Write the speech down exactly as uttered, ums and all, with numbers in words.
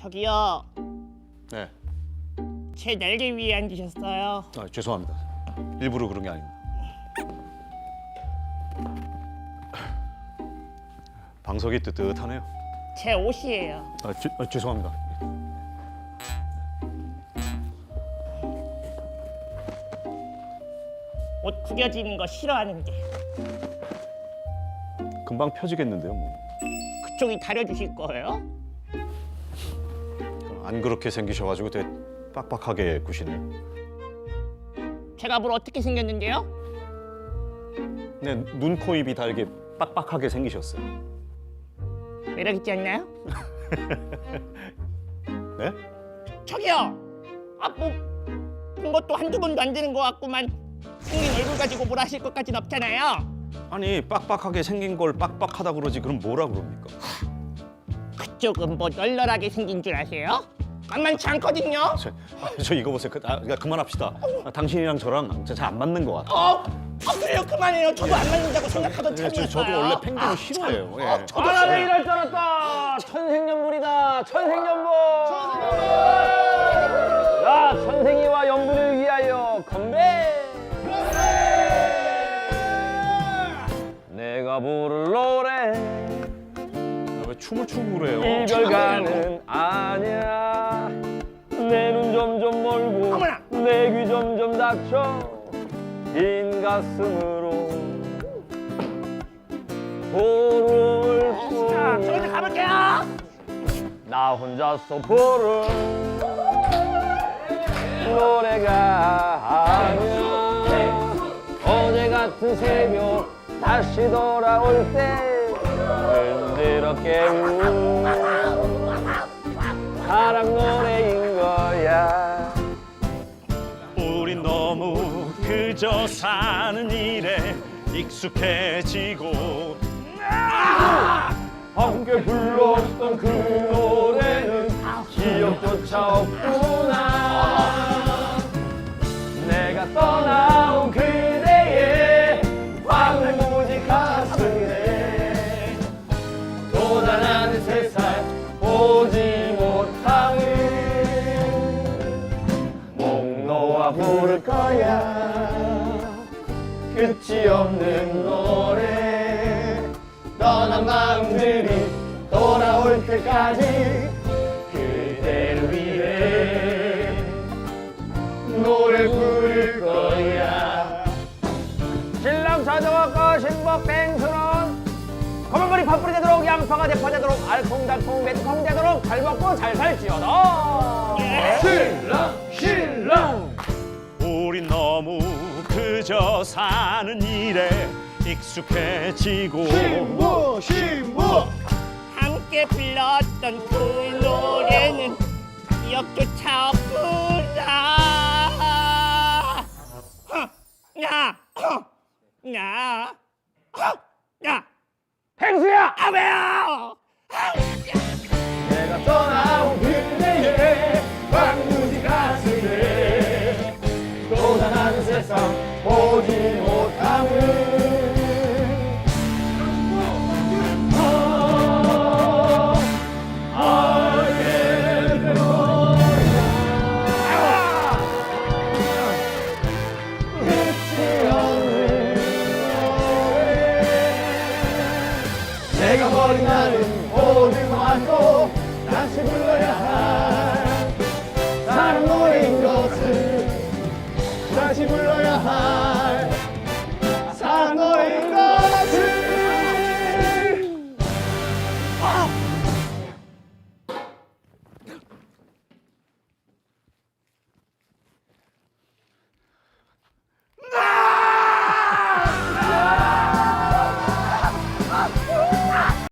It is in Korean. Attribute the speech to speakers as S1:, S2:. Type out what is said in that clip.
S1: 저기요,
S2: 네.
S1: 제 날개 위에 앉으셨어요.
S2: 아, 죄송합니다. 일부러 그런 게 아닙니다. 방석이 뜨뜻하네요.
S1: 제 옷이에요.
S2: 아, 죄, 아, 죄송합니다.
S1: 옷 구겨지는 거 싫어하는데
S2: 금방 펴지겠는데요, 뭐.
S1: 그쪽이 다려주실 거예요?
S2: 안 그렇게 생기셔가지고 되게 빡빡하게 구시네요.
S1: 제가 뭘 어떻게 생겼는데요?
S2: 네, 눈, 코, 입이 다 이렇게 빡빡하게 생기셨어요.
S1: 매력 있지 않나요?
S2: 네?
S1: 저기요, 아 뭐 본 것도 한두 번도 안 되는 거 같구만. 생긴 얼굴 가지고 뭐라 하실 것까진 없잖아요.
S2: 아니, 빡빡하게 생긴 걸 빡빡하다 그러지 그럼 뭐라 그럽니까?
S1: 그쪽은 뭐 널널하게 생긴 줄 아세요? 만만치 않거든요.
S2: 저, 아, 저 이거 보세요. 그, 아, 그러니까 그만합시다. 아, 당신이랑 저랑 잘 안 맞는 것 같아요.
S1: 어, 아 그래요, 그만해요. 저도 안 맞는다고 생각하던
S2: 네, 저,
S1: 참이었어요.
S2: 저도 원래 펭귄을 싫어해요. 예.
S1: 어, 저도
S3: 아, 나도
S1: 싫어요.
S3: 이럴 줄 알았다. 천생연분이다. 천생연분. 자, 천생이와 연분을 위하여 건배. 내가 부를 노래
S2: 아, 왜 춤을 추고 그래요?
S3: 이별가는 아니야. 내 눈 점점 멀고
S1: 어머나.
S3: 내 귀 점점 닫혀 빈 가슴으로 부를
S1: 자, 저
S3: 뿐.
S1: 이제 가볼게요.
S3: 나 혼자서 부른 노래가 아니야. 어제 같은 새벽 다시 돌아올 때 흔들었게 운 사랑 노래인 거야.
S2: 우린 너무 그저 사는 일에 익숙해지고
S3: 함께 불렀던 그 노래는 기억조차 없구나. 내가 떠나온 그대의 황무지 가슴에 도달하는 세상 보지 못함을 목 놓아 부를 거야. 끝이 없는 노래 떠난 마음들이 돌아올 때까지 그대를 위해 노래 부를 거야. 신랑 찾아왔고 신복 땡스런 검은머리 팥불이 되도록 양파가 대파 되도록 알콩달콩 매콤 되도록 잘 먹고 잘 살지어다. 신랑 신랑
S2: 우린 너무 그저 사는 일에 익숙해지고
S3: 신부 신부
S1: 함께 불렀던 그 노래는 기억조차 없구나. 허, 야, 허, 야, 허, 야,
S3: 펭수야!
S1: 아 왜요?
S3: 내가 떠나온 그대의 황무지 가슴에 또다른 세상 보지 못함을 알게 된 거야. 끝이 없는 노래 내가 버린 나는 모두 안고 다시 불러야 할 사랑 노래인 것을 다시 불러야 할